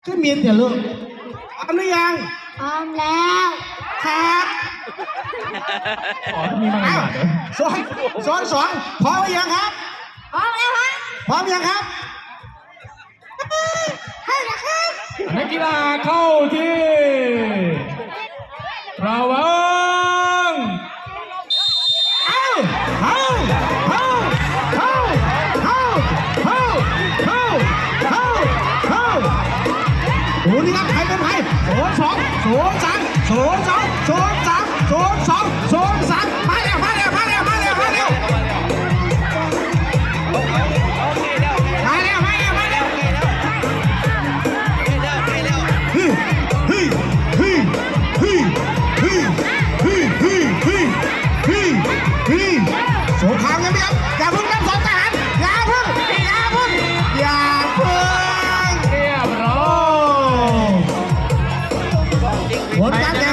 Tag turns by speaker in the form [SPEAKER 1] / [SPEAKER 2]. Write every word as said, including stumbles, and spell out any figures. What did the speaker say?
[SPEAKER 1] ขึ้นเมียนเดี๋ยวลูกพร้อมหรือยัง
[SPEAKER 2] พร้อมแล้ว
[SPEAKER 1] ครับ
[SPEAKER 3] อ๋อมีมาหนาเด้อ
[SPEAKER 1] สองสองสองพร้อมหรือยังครับ
[SPEAKER 2] พร้อมแล้วครับ
[SPEAKER 1] พร้อมยังครับ
[SPEAKER 2] เฮ้ยนะครับ
[SPEAKER 3] นักกีฬาเข้าที่ระวัง
[SPEAKER 1] เอาเอาเอาเอาเอาเอาเอาเอาเอาโอ้นี่ครับใครเป็นใครโซนสองโซนสามโซนสองโซนสามโซนสองโซนสามมาเร็วมาเร็วมาเร็วมาเร็วมาเร็วมาเร็วมาเร็วมาเร็วเฮ้ยเฮ้ยเฮ้ยเฮ้ยเฮ้ยเฮ้ยเฮ้ยเฮ้ยเฮ้ยเฮ้ยสงครามกันไหมครับอย่าเพิ่งนับสองทหารอย่าเพิ่งอย่าเพิ่งอย่าเพิ่ง
[SPEAKER 3] เรียบร้อย
[SPEAKER 1] ผลการแข่ง